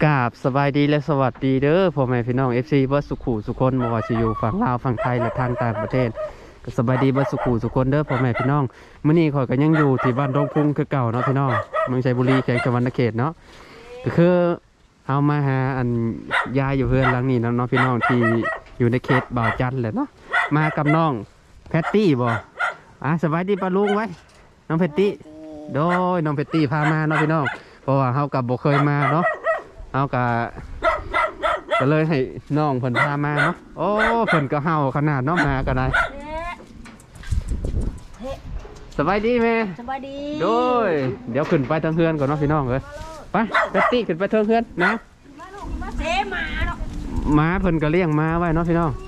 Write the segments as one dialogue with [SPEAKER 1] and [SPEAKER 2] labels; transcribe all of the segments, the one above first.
[SPEAKER 1] กราบสบายดีและสวัสดีเด้อพ่อแม่พี่น้อง FC เบิร์ดสุขุสุคนบ่ว่าสิอยู่ฝั่งลาวฝั่งไทยและทางต่างประเทศก็สบายดีเบิร์ดสุขุสุคนเด้อพ่อแม่พี่น้องมื้อนี้ข่อยก็ยังอยู่ที่บ้านดงพุงคือเก่าเนาะพี่น้องเมืองชัยบุรีแขวงสวรรณเขตเนาะก็คือเอามาหาอันยายอยู่เพื่อนหลังนี้เนาะพี่น้องที่อยู่ในเขตบ่าวจันทร์แหละเนาะมากับน้องแพตตี้บ่สบายดีป้าลุงไว้น้องแพตตี้โดยน้องแพตตี้พามาเนาะพี่น้องเพราะว่าเฮากับบ่เคยมาเนาะเอาก็เลยให้น้องเพิ่นพามาเนาะโอ้เพิ่นก็เฮาขนาดน้องมาก็ได้สบายดีแม่
[SPEAKER 2] สบายดี
[SPEAKER 1] โดยเดี๋ยวขึ้นไปทางเฮือนก่อนเนาะพี่น้องเอ้ยไปแพตตี้ขึ้นไปทางเฮือนนะ
[SPEAKER 2] เสมาเนาะ
[SPEAKER 1] ม้าเพิ่นก็เลี้ยงม้าไว้เนาะพี่น้อง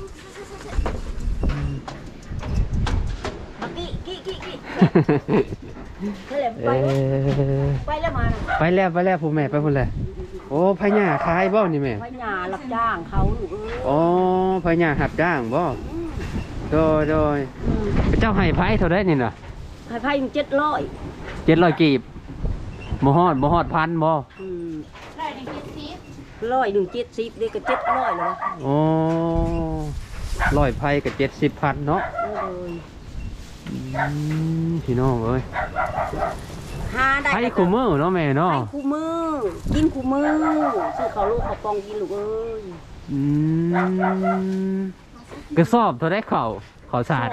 [SPEAKER 2] ไปแล้วมา
[SPEAKER 1] ไปแล้วผู้แม่ไปพุ่นแหละโอ้พญาขายบ่นี่แม่
[SPEAKER 2] พญารับจ้างเขาลูก
[SPEAKER 1] โอ้พญาหับจ้างบ่โดยเจ้าให้ไผเท่าได้นี่น่ะ
[SPEAKER 2] ให้ไผ700
[SPEAKER 1] กีบบ่ฮอดพันบ่
[SPEAKER 2] ได้170ได้ก็700แล้ว
[SPEAKER 1] โอ้100ไผก็70,000เนาะพี่น้องเอ้ย
[SPEAKER 2] หาได้
[SPEAKER 1] ไผคู่มือเนาะแม่เนาะ
[SPEAKER 2] ไผคู่มือกินคู่มือซื้อข้าวลูกข้าวปองกินลูกเอ้ย
[SPEAKER 1] กระสอบเท่าได้ข้าวสาร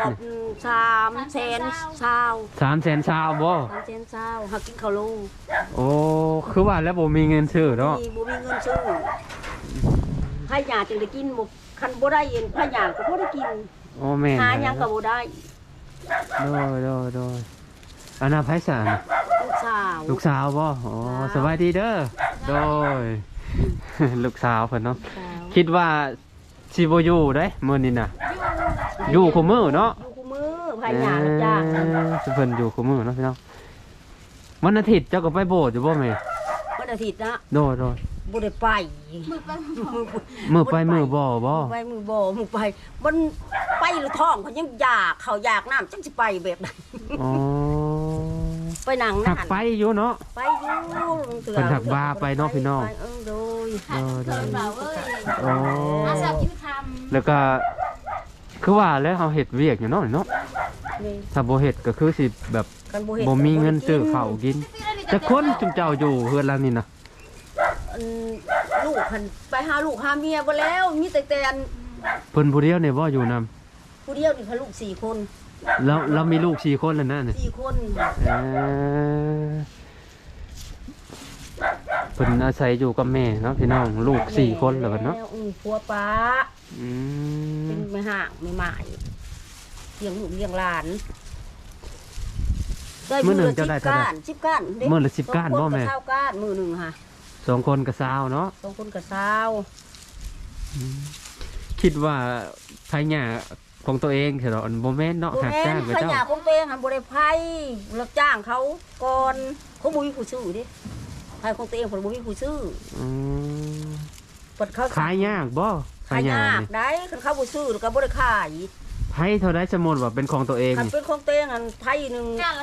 [SPEAKER 2] 300,000
[SPEAKER 1] ชาวบ่
[SPEAKER 2] หากินข้าวลูก
[SPEAKER 1] โอ้คือว่าแล้วบ่มีเงินซื้อเนาะ
[SPEAKER 2] บ่มีเงินซื้อให้ยาจึงได้กินบ่คันบ่ได้เย็นพญาก็บ่ได้กิน
[SPEAKER 1] โอ้แม่
[SPEAKER 2] หาหยังก็บ่ได้
[SPEAKER 1] โดยอันน่ะไผสารลูกสาวบ่อ๋อสบายดีเด้อโดยลูกสาวเพิ่นเนาะคิดว่าสิบ่อยู่เด้มื้อนี้น่ะอยู่คู่มื้อเนาะ
[SPEAKER 2] อยู่คู่มื้อพญารับจ้าง
[SPEAKER 1] เพิ่นอยู่คู่มื้อเนาะพี่น้องวันอาทิตย์เจ้าก็ไปโบสถ์อยู่บ่แม่
[SPEAKER 2] วันอาทิตย์นะ
[SPEAKER 1] โดย
[SPEAKER 2] บ่ได้ไป
[SPEAKER 1] มื้อไปมื้อบ่
[SPEAKER 2] ไปมื้อบ่มื้อไปมันไปหรือท้องเขายังอยากเขาอยากน้ำจังสิไปแบบนั้น
[SPEAKER 1] อ๋อ
[SPEAKER 2] ไปนั่งนั่น
[SPEAKER 1] ไปอยู่เนาะ
[SPEAKER 2] ไปอยู่
[SPEAKER 1] เพิ่นถักบาไปเนาะพี่น้อง
[SPEAKER 2] โดย
[SPEAKER 1] อ๋อแล้วก็คือว่าแล้วเฮาเฮ็ดเวียกอยู่เนาะถ้าบ่เฮ็ดก็คือสิแบบบ่มีเงินซื้อข้าวกินแต่คนจุมเจ้าอยู่เฮือนหลังนี้น่ะ
[SPEAKER 2] ลูกเพิ่นไปหาลูกหาเมียบ่แล้วมีแต่เ
[SPEAKER 1] พิ่นผู้เดียวนี่บ่อยู่นำ
[SPEAKER 2] ผู้เดียวนี่เขาลูก4คน
[SPEAKER 1] แล้วมีลูก4คนแล้วนะนี่
[SPEAKER 2] 4คน
[SPEAKER 1] เพิ่นอาศัยอยู่กับแม่เนาะพี่น้องลูก4คนแล้วกันเนาะ
[SPEAKER 2] ผัวป้าเป็นแม่ห่างไม่หมายเลี้ยงลูกเลี้ยงหลาน
[SPEAKER 1] มื้อนึงเจ้าได้เท่าใด
[SPEAKER 2] 10ก้าน
[SPEAKER 1] มื้อละ10ก้านบ่แม่
[SPEAKER 2] 20ก้านมื้อนึงค่ะ
[SPEAKER 1] 2คนก็20เนาะ
[SPEAKER 2] 2คนก็
[SPEAKER 1] 20คิดว่าไผหญ้าของตัวเองเถอะบ่แม่นเนาะหักจ้างกับเจ้า
[SPEAKER 2] ไผหญ้าของตัวเองหั่นบ่ได้ไผรับจ้างเขาก่อนเขาบ่มีผู้ซื้อเด้ไผของตัวเองเพิ่นบ่มีผู้ซื้อเพิ่นเขา
[SPEAKER 1] ขายยากบ่
[SPEAKER 2] ขายยากได้คันเขาบ่ซื้อก็บ่ได้ขาย
[SPEAKER 1] ไผเท่าใดสมมุติว่าเป็นของตัวเอง
[SPEAKER 2] คันเป็นของตัวเองอันไผนึง
[SPEAKER 3] จานละ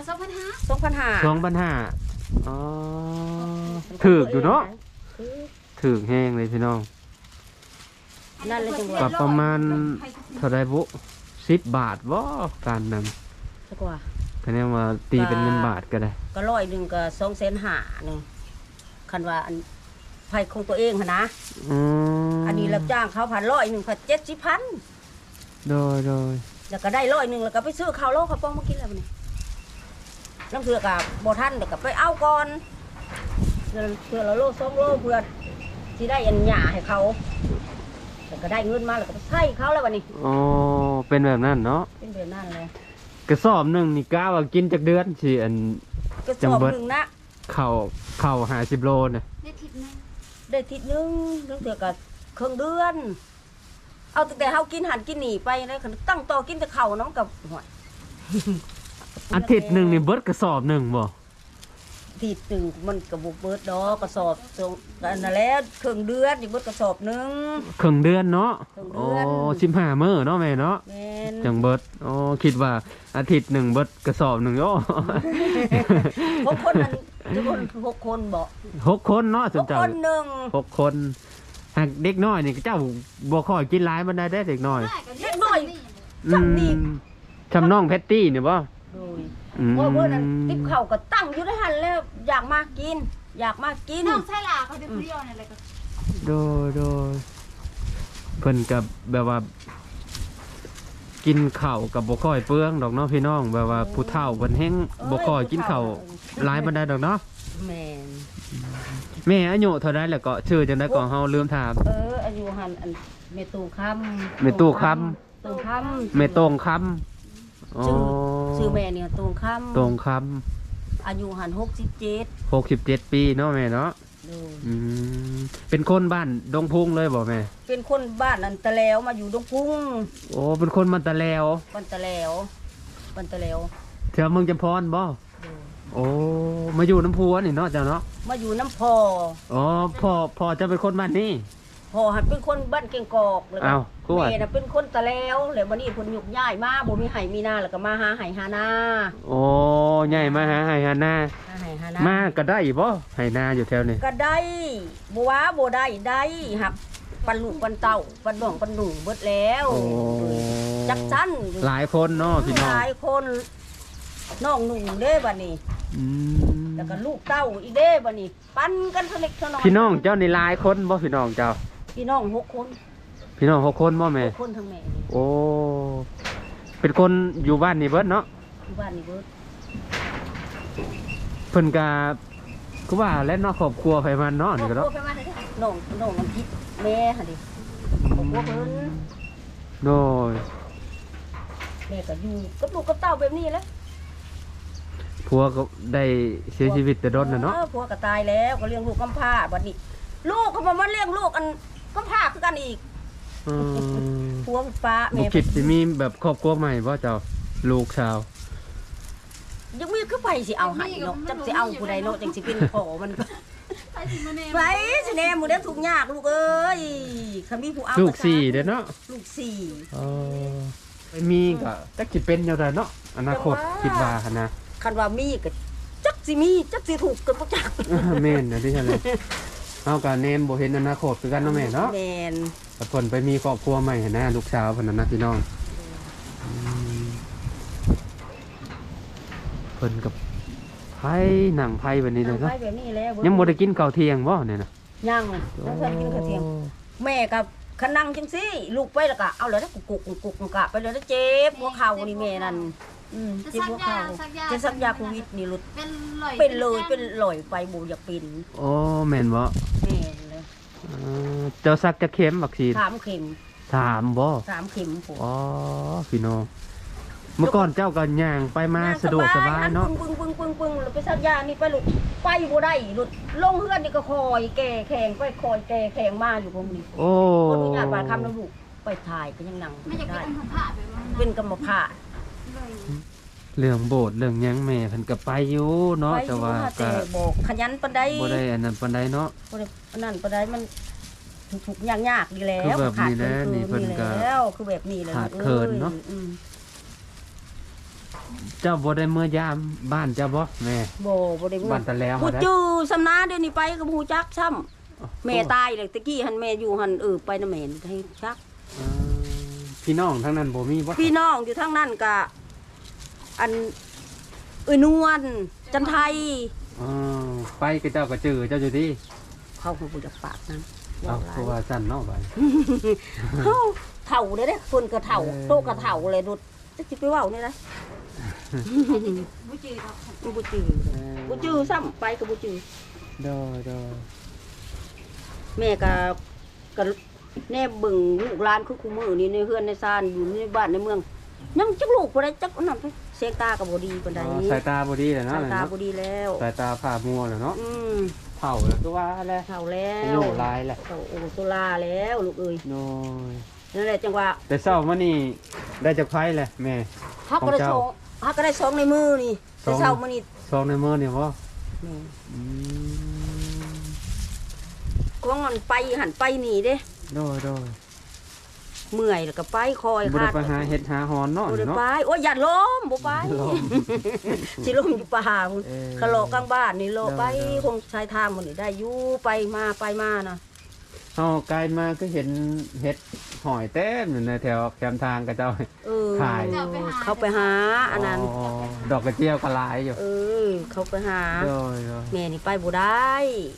[SPEAKER 1] 2,500อ๋อถูกอยู่เนาะถูกแฮงเลยพี่น้อง
[SPEAKER 2] นั่นเลยจังหวะ
[SPEAKER 1] ประมาณเท่าใดบุ10 บาทบ่การนำ
[SPEAKER 2] สักว่า
[SPEAKER 1] คะแนนว่าตีเป็นเงินบาทก็ได้
[SPEAKER 2] ก็100นึงก็2,500,000นึงคันว่าอันไผของตัวเองหั่นนะอันนี้รับจ้างเขา100นึงก็70,000
[SPEAKER 1] โดย
[SPEAKER 2] แล้วก็ได้100นึงแล้วก็ไปซื้อข้าวโลข้าวปองมากินแล้วบัดนี้น้ำเถื่อกับบ่ทันเดี๋ยวก็ไปเอาก่อนเพื่อละโล2 โลเพื่อที่ได้อันหญ้าให้เขาแล้วก็ได้เงินมาแล้วก็ไปใช้เขาแล้วบัดนี้
[SPEAKER 1] อ๋อเป็นแบบนั้นเนาะ
[SPEAKER 2] เป็นแบบนั้นเลย
[SPEAKER 1] กระสอบนึงนี่กะว่ากินจักเดือนสิอัน
[SPEAKER 2] กระสอบนึงนะ
[SPEAKER 1] ข้าว50 โลน่ะ
[SPEAKER 2] ได้ทิศนึงน้ำเถื่อกับครึ่งเดือนเอาแต่เฮากินหันกินหนีไปเลยตั้งต่อกินแต่ข้าวน้องกับหอย
[SPEAKER 1] อาทิตย์นึงนี่เบิดกระสอบนึงบ่
[SPEAKER 2] ทีนึงมันก็บ่เบิดดอกกระสอบกันนั่นแหละครึ่งเดือนนี่เบิดกระสอบนึง
[SPEAKER 1] ครึ่งเดือนเนาะโอ้15 มื้อเนาะแม่เนาะจังเบิดคิดว่าอาทิตย์นึงเบิดกระสอบนึงโอ้
[SPEAKER 2] บางคนนั้นทุกคน6 คนบ่
[SPEAKER 1] 6 คนเนาะสม
[SPEAKER 2] 6
[SPEAKER 1] เจ้า
[SPEAKER 2] คนหนึ่ง
[SPEAKER 1] 6 คนหากเด็กน้อยนี่เจ้าบ่ค่อยกินหลายมันได้เด็กน้อย
[SPEAKER 2] เล็กน้อย จำนี่
[SPEAKER 1] จำน้องแพตตี้เนี่ยบ่
[SPEAKER 2] โดย
[SPEAKER 1] อืม
[SPEAKER 2] เพราะเมื่อนั้นติ๊บเข่าก็ตั้งอยู่ในหันแล้วอยากมากิน อยากมากิน
[SPEAKER 3] น้องใช่ล่ะเขาจะเปรี้ยวเนี่ยอะไรก็
[SPEAKER 1] โดยเพิ่นกับแบบว่า กินข้าวกับบ่ค่อยเปลืองดอกเนาะพี่น้องแบบว่าผู้เฒ่าเพิ่นแฮงบ่ค่อยกินข้าวหลายปานใดดอกเนาะ
[SPEAKER 2] แม่น
[SPEAKER 1] แม่อายุเท่าใดแล้วก็ชื่อจังได๋ก็เฮาลืมถาม
[SPEAKER 2] อายุหันอันเมตูคำ
[SPEAKER 1] แม่ตู้ค
[SPEAKER 2] ตูคำ
[SPEAKER 1] แม่ตรงคำอ๋อ
[SPEAKER 2] ชื่อแม่เนี่ยตูคำ
[SPEAKER 1] ตรงคำ
[SPEAKER 2] อายุหัน67
[SPEAKER 1] 67 ปีเนาะแม่เนาะ
[SPEAKER 2] โดย
[SPEAKER 1] อืมเป็นคนบ้านดงพุงเลยบ่แม่
[SPEAKER 2] เป็นคนบ้านอันตะแล้วมาอยู่ดงพุง
[SPEAKER 1] โอ้เป็นคนมันตะแล้ว
[SPEAKER 2] ปันตะแล้วปันตะแล้ว
[SPEAKER 1] แถวเมืองจำพรบ่
[SPEAKER 2] โดย
[SPEAKER 1] โอ้มาอยู่น้ำพุนี่เนาะเจ้าเนาะ
[SPEAKER 2] มาอยู่น้ำพอ
[SPEAKER 1] อ๋อพ่อจะเป็นคนบ้านนี้
[SPEAKER 2] พอหันเป็นคนบ้านเก่งกอกแล้วก็
[SPEAKER 1] อ้าวกวด
[SPEAKER 2] แม่น่ะเป็นคนตะแล้วแล้ววันนี้เพิ่นยุกย้ายมาบ่มีไห้มีนาแล้วก็มาหาไห้หานา
[SPEAKER 1] โอ้ใหญ่มาหาไห้หาหน้า
[SPEAKER 2] หาไห้หานา
[SPEAKER 1] มาก็ได้บ่ไห้นาอยู่แถวนี้
[SPEAKER 2] ก็ได้บ่ว่าบ่ได้ครับปันลูกปันเต้าปันน้องปันหนุ่งเบิดแล้ว
[SPEAKER 1] โอ้
[SPEAKER 2] จักจัน
[SPEAKER 1] หลายคนเนาะพี่น้อง
[SPEAKER 2] หลายคนน้องหนุ่งเด้บัดนี้
[SPEAKER 1] อืม
[SPEAKER 2] แล้วก็ลูกเต้าอีกเด้บัดนี้ ปันกันเท่าเล็กเท่าน้อย
[SPEAKER 1] พี่น้องเจ้านี่หลายคนบ่พี่น้องเจ้า
[SPEAKER 2] พี่น้อง6 คน
[SPEAKER 1] พี่น้อง6 คนบ่แม่
[SPEAKER 2] 6 คนทั้งแม่นี่
[SPEAKER 1] โอ้เป็นคนอยู่บ้านนี่เบิดเนาะ
[SPEAKER 2] อยู่บ้านนี่เบิด
[SPEAKER 1] เพิ่นก็คือว่าและเนาะครอบครัวไผมันเนาะนี่ก็
[SPEAKER 2] ครอบ
[SPEAKER 1] เนาะ
[SPEAKER 2] ครัวไปมาเด้อน้องน้ำพริกแม่หั่นดิครอบครัวเพิ่น
[SPEAKER 1] โดย
[SPEAKER 2] แม่ก็อยู่กับลูกกับเต้าแบบนี้แหละ
[SPEAKER 1] ผัวก็ได้เสียชีวิตแต่ดนน่ะเนาะ
[SPEAKER 2] ผัวก็ตายแล้วก็เลี้ยงลูกกำพร้าบัดนี้ ลูกก็มาเลี้ยงลูกอันกำพร้าคือกันอีก
[SPEAKER 1] อืม
[SPEAKER 2] ผัวฟ้า
[SPEAKER 1] บ่
[SPEAKER 2] แม่
[SPEAKER 1] คิดสิมีแบบครอบครัวใหม่บ่เจ้าลูกชาว
[SPEAKER 2] ยังมีคือไปสิเอาให้เนาะจักสิเอาผู้ใดเนาะจังสิเป็นพ่อมัน
[SPEAKER 3] ไปสิมาเนม
[SPEAKER 2] ไปสิแน่มื้อเด้อทุกข์ยากลูกเอ้ยคันมีผู้เอา
[SPEAKER 1] ลูก
[SPEAKER 2] ซะ
[SPEAKER 1] 4เด้อเนาะ
[SPEAKER 2] ลูกสี่
[SPEAKER 1] ไปมีก็จักสิเป็นแนวใดเนาะอนาคตคิดว่าหั่นนะ
[SPEAKER 2] คันว่ามีก็จักสิมีจักสิถูกกันบ่จัก
[SPEAKER 1] แม่นนะที่ฉันเลยเฮาก็แนมบ่เห็นอนาคตคือกันเนาะแม่เนาะ
[SPEAKER 2] แม่น
[SPEAKER 1] แต่เพิ่นไปมีครอบครัวใหม่หั่นนะลูกสาวเพิ่นน่ะนะพี่น้องอืมเพิ่นกับไผหนังไผแบบนี้เลย
[SPEAKER 2] เอา
[SPEAKER 1] เนาะ
[SPEAKER 2] ไปแบบนี้แล้ว
[SPEAKER 1] ยังบ่ได้กินข้าวเที่ยงบ่เนี่ยนะ
[SPEAKER 2] ยังยังทันกินข้าวเที่ยง แม่กับขนังจังซี่ลูกไปแล้วก็เอาเลยนะกุกกะไปเลยนะเจ็บหัวเข่านี่แม่นั่นเจ็บหัวเข่าจะสักยาโควิดนี่หลุด
[SPEAKER 3] เป็นลอย
[SPEAKER 2] เป็นลอยไปบ่อยากเป็น
[SPEAKER 1] โอ้แม่นบ่
[SPEAKER 2] แม่นเลย
[SPEAKER 1] เจ้าซักจะเข็มวัคซีน
[SPEAKER 2] 3 เข็ม
[SPEAKER 1] 3บ่
[SPEAKER 2] 3 เข็มผม
[SPEAKER 1] อ๋อพี่น้องเมื่อก่อนเจ้าก็ย่างไปมาสะดวกสบายเนาะ
[SPEAKER 2] ปึ้งแล้วไปสักยานี่ไปลูกไปบ่ได้หลุดลงเฮือนนี่ก็คอยแก่แข็งไปคอยแก่แข็งมาอยู่ผมนี่
[SPEAKER 1] โอ้
[SPEAKER 2] คนที่ญาติบาดคำแล้วลูกไปถ่ายก็ยังนั่ง
[SPEAKER 3] ไม่อยาก
[SPEAKER 2] ได้
[SPEAKER 3] เป็นอัมพาตแบบว่า
[SPEAKER 2] เป็นกรรมภาพ
[SPEAKER 1] เรื่องโบสถ์เรื่องหยังแม่เพิ่นก็ไปอยู่เนาะ
[SPEAKER 2] ไป
[SPEAKER 1] แต่
[SPEAKER 2] อยู่
[SPEAKER 1] ว่า
[SPEAKER 2] ค่ะ
[SPEAKER 1] ก็
[SPEAKER 2] แต่บอกขยันปานใด
[SPEAKER 1] บ่ได้อันนั้นปานใดเนาะ
[SPEAKER 2] บ่ได้อันนั้นปานใดมันถูกๆยากๆดีแล้ว
[SPEAKER 1] คือแบบนี้นะ
[SPEAKER 2] ขาด
[SPEAKER 1] นี่เพิ่นก็
[SPEAKER 2] แล้วคือแบบนี้เลย
[SPEAKER 1] ขาดเขินเนาะ
[SPEAKER 2] อืม
[SPEAKER 1] เจ้าบ่ได้เมื่อยามบ้านเจ้าบ่แม่
[SPEAKER 2] บ่ได้
[SPEAKER 1] บ้านตะแล้ว
[SPEAKER 2] ผู้
[SPEAKER 1] หาได้
[SPEAKER 2] จื้อสำนาเดี๋ยวนี้ไปก็บ่ฮู้จักซ้ำแม่ตายเลยตะกี้หันแม่อยู่หันไปนำแม่นให้จัก
[SPEAKER 1] เออพี่น้องทั้งนั้นบ่มีบ่
[SPEAKER 2] พี่น้องอยู่ทางนั้นก็อันนวลจันไทย
[SPEAKER 1] เออไปกับเจ้าก็จื้อเจ้าอยู่ดี
[SPEAKER 2] เขาก็บ่จักปากนั้น
[SPEAKER 1] เอาคือว่าสั่นเนาะบัด
[SPEAKER 2] เฮาเฒ่าเด้อคนก็เฒ่า
[SPEAKER 1] เออ
[SPEAKER 2] โตก็เฒ่าเลยดุดจะสิไปเว้านี่นะ
[SPEAKER 3] บุจืดครับ
[SPEAKER 2] บ่จื้อบ่จื้อซ้ำไปก็บ่จื้อ
[SPEAKER 1] ดอดอ
[SPEAKER 2] แม่ก็แน่เบิ่งลูกหลานคือคู่มือนี่ในเฮือนในซ่านอยู่ในบ้านในเมืองยังจักลูกบ่ได้จักอันนั้นไปเสียงตาก็บ่ดีปานใด
[SPEAKER 1] สายตาบ่ดีแล้วเนาะ
[SPEAKER 2] สายตาบ่ดีแล้ว
[SPEAKER 1] สายตาผ่ามัวแล้วเนาะ
[SPEAKER 2] ม
[SPEAKER 1] เฒ่าแล้วคือว่าแหละ
[SPEAKER 2] เฒ่าแล้ว
[SPEAKER 1] อายุหลายแหละ
[SPEAKER 2] เฒ่าโอตุลาแล้วลูกเอ้ย
[SPEAKER 1] โน้ย
[SPEAKER 2] นั่นแหละจังว่า
[SPEAKER 1] แต่เช้ามานี่ได้จากไผแหละแม่
[SPEAKER 2] เฮาก็ได้
[SPEAKER 1] ของ
[SPEAKER 2] ส
[SPEAKER 1] เจ้า
[SPEAKER 2] องเฮาก็ได้สองในมือนี่
[SPEAKER 1] ส
[SPEAKER 2] แต่
[SPEAKER 1] อง
[SPEAKER 2] เช้ามื้อนี้
[SPEAKER 1] ซองในมือนี่บ่
[SPEAKER 2] แม่
[SPEAKER 1] อืม
[SPEAKER 2] กวางมันไปหันไปนี่เด้
[SPEAKER 1] โดยโดย
[SPEAKER 2] เมื่อยแล้วก็ไปคอย
[SPEAKER 1] บ่ได้ไปหาเห็ดหาหอนเนาะ
[SPEAKER 2] บ่ได้
[SPEAKER 1] เนาะ
[SPEAKER 2] ไปโอ้ยอย่าล้มบ่ไป
[SPEAKER 1] ล้ม
[SPEAKER 2] สิล้มอยู่ป่าพุ่น
[SPEAKER 1] เออ
[SPEAKER 2] คาโลกลางบ้านนี่โลไป
[SPEAKER 1] เออ
[SPEAKER 2] คงชายทางมันนี่ได้อยู่ไปมานะ
[SPEAKER 1] เฮากลายมาก็เห็นเห็ดหอยเต็มอยู่ในแถวแคมทางกับเจ้า
[SPEAKER 2] เออ
[SPEAKER 1] ขาย
[SPEAKER 2] เขาไปหาอันนั้น
[SPEAKER 1] อ๋อดอกกระเจียวก็หลายอยู่
[SPEAKER 2] เออ เขาไปหา
[SPEAKER 1] โดย
[SPEAKER 2] แม่นี่ไปบ่ได้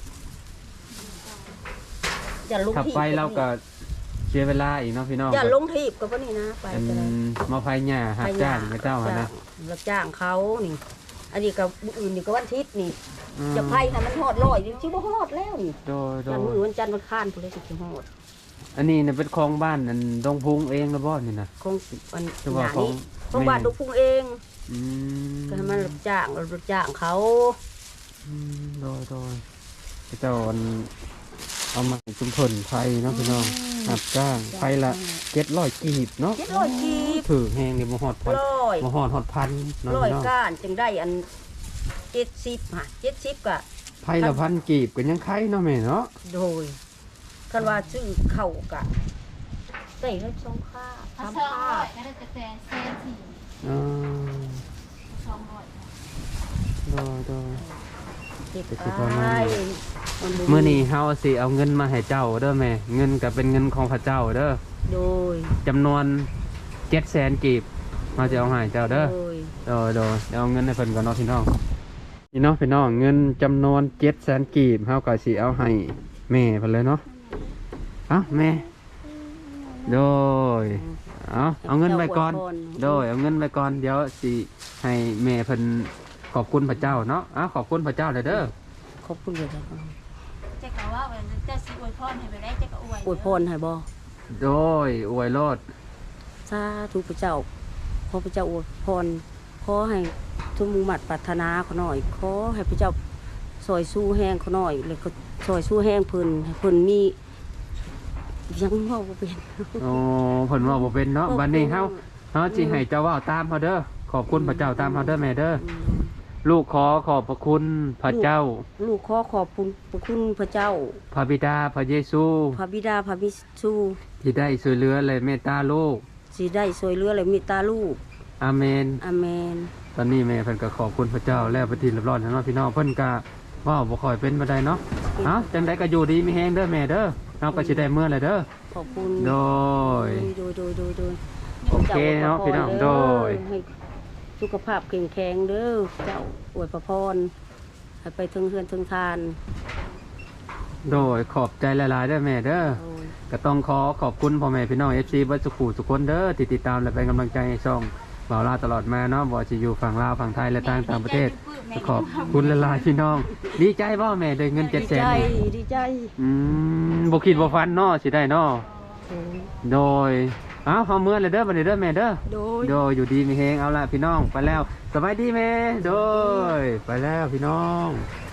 [SPEAKER 2] อย่าลง
[SPEAKER 1] ขับ
[SPEAKER 2] ทีบ
[SPEAKER 1] ไปเราก็เสียเวลาอีกเนาะพี่น้อง
[SPEAKER 2] อย่าลงทีบกับว่านี่นะไป
[SPEAKER 1] อัน
[SPEAKER 2] ก็ได้
[SPEAKER 1] มาไฟหญ้าหักจ้างกับเจ้าหั่นนะ
[SPEAKER 2] รับจ้างเขานี่ อันนี้กับอื่นนี่ก็วันอาทิตย์นี่
[SPEAKER 1] อืม
[SPEAKER 2] จะไพ่ให้มันฮอดร้อยชิบ่ฮอดแล้วนี่
[SPEAKER 1] โดยโด
[SPEAKER 2] วัน
[SPEAKER 1] ย
[SPEAKER 2] มื้อวันจันทร์วันค้านพุ่นเลยสิฮอด
[SPEAKER 1] อันนี้เนี่ยเป็นของบ้านอันดงพุงเองแล้วบ่นี่นะ
[SPEAKER 2] คงวัน
[SPEAKER 1] คือ
[SPEAKER 2] ห
[SPEAKER 1] ว่า
[SPEAKER 2] น้า
[SPEAKER 1] ของ
[SPEAKER 2] นี้ของบ้านลูกพุงเอง
[SPEAKER 1] อืม
[SPEAKER 2] ก็ให้มันรับจ้างเขา
[SPEAKER 1] โดยเจ้าอันเอามาชุมชนไฟเนาะพี่น้องหักจ้างไฟละ700กีบเนาะ
[SPEAKER 2] 700กีบ
[SPEAKER 1] ถือแห้งนี่บ่ฮอดพัน
[SPEAKER 2] ร้อย
[SPEAKER 1] บ่ฮอดพันเนาะ
[SPEAKER 2] ร้อย
[SPEAKER 1] พี่น้อง
[SPEAKER 2] ก้านจึงได้อัน70ฮะ70ก็
[SPEAKER 1] ไฟละพันกีบก็ยังไข่เนาะแม่เนาะ
[SPEAKER 2] โดยคันว่าซื้อเข้าวกะได้เลยสองค่า
[SPEAKER 3] ถ้า
[SPEAKER 2] สาม
[SPEAKER 3] เชิง
[SPEAKER 2] ค่า
[SPEAKER 3] ร้อยก็ได้แต่เซนสี่
[SPEAKER 1] อ่า
[SPEAKER 3] 200
[SPEAKER 1] โดย
[SPEAKER 2] เก็บ
[SPEAKER 1] ก็สิ
[SPEAKER 2] ไป
[SPEAKER 1] ประมาณนี้
[SPEAKER 2] บ่
[SPEAKER 1] มื้อนี้เฮาสิเอาเงินมาให้เจ้าเด้อแม่เงินก็เป็นเงินของพระเจ้าเด้อ
[SPEAKER 2] โดย
[SPEAKER 1] จำนวน700,000กีบมาจะเอาให้เจ้าเด้อ
[SPEAKER 2] โดย
[SPEAKER 1] เดี๋ยวเอาเงินให้เพิ่นก่อนเนาะพี่น้องพี่น้องเงินจำนวน700,000กีบเฮาก็สิเอาให้แม่เพิ่นเลยเนาะเอ้าแม่โดยเอาเงินไปก่อนโดยเอาเงินไปก่อนเดี๋ยวสิให้แม่เพิ่นขอบคุณพระเจ้าเนาะขอบคุณพระเจ้าเลยเด้อ
[SPEAKER 2] ขอบคุณเลยครับ
[SPEAKER 3] เจ๊ก็ว่าวันนั้นเจ๊สิอวยพรให้ไปได้เจ๊ก็อวย
[SPEAKER 2] อวยพรให้บ่
[SPEAKER 1] โดยอวยโลด
[SPEAKER 2] สาธุพระเจ้าขอพระเจ้าอวยพรขอให้ทุกมุ่งมั่นปรารถนาเขาหน่อยขอให้พระเจ้าซอยสู้แห้งเขาหน่อยแล้วก็ซอยสู้แห้งเพิ่นให้เพิ่นมียังเว้าบ่เป็น
[SPEAKER 1] โอ้เพิ่นว่าบ่เป็นเนาะบัดนี้เฮาสิให้เจ้าเว้าตามเฮาเด้อขอบคุณพระเจ้าตามเฮาเด้อแม่เด้อลูกขอขอบพระคุณพระเจ้า
[SPEAKER 2] ลูกขอขอบคุณพระคุณพระเจ้า
[SPEAKER 1] พระบิดาพระเยซู
[SPEAKER 2] พระบิดาพระมิสู
[SPEAKER 1] ที่ได้ช่วยเหลือและเมตตาลูก
[SPEAKER 2] สิได้ช่วยเหลือและเมตตาลูก
[SPEAKER 1] อาเมน
[SPEAKER 2] อาเมน
[SPEAKER 1] ตอนนี้แม่เพิ่นก็ขอบคุณพระเจ้าแล้วไปทีเรียบร้อยแล้วเนาะพี่น้องเพิ่นก็ว้าวบ่ค่อยเป็นบ่ได้เนาะจังได๋ก็อยู่ดีมีแฮงเด้อแม่เด้อเฮาก็สิได้เมื่อแหละเด้อ
[SPEAKER 2] ขอบคุณ
[SPEAKER 1] โดย
[SPEAKER 2] โดย
[SPEAKER 1] โอเคเนาะพี่น้องโดย
[SPEAKER 2] ให้สุขภาพแข็งแรงเด้อเจ้าอวยพรให้ไปถึงเฮือนถึงทาน
[SPEAKER 1] โดยขอบใจหลายๆเด้อแม่เด้อ
[SPEAKER 2] โอ้ย
[SPEAKER 1] ก็ต้องขอบคุณพ่อแม่พี่น้อง FC เบิดสุขุทุกคนเด้อที่ติดตามและเป็นกำลังใจให้ช่องบ่าวลาวตลอดมาเนาะบ่ว่าจะอยู่ฝั่งลาวฝั่งไทยและต่างประเทศขอบคุณหลายๆพี่น้อง ดีใจบ่แม่ได้เงิน
[SPEAKER 2] ดีใจ
[SPEAKER 1] 700,000นี่
[SPEAKER 2] ดีใจ
[SPEAKER 1] บ่คิดบ่ฝันเนาะสิได้เนาะ
[SPEAKER 2] โอ้ย
[SPEAKER 1] โดยเฮาเมื่อเลยเด้อบัดนี้เด้อแม่เด้อ
[SPEAKER 2] โดย
[SPEAKER 1] โดยอยู่ดีมีเฮงเอาละพี่น้องไปแล้วสบายดีแม่โดยไปแล้วพี่น้อง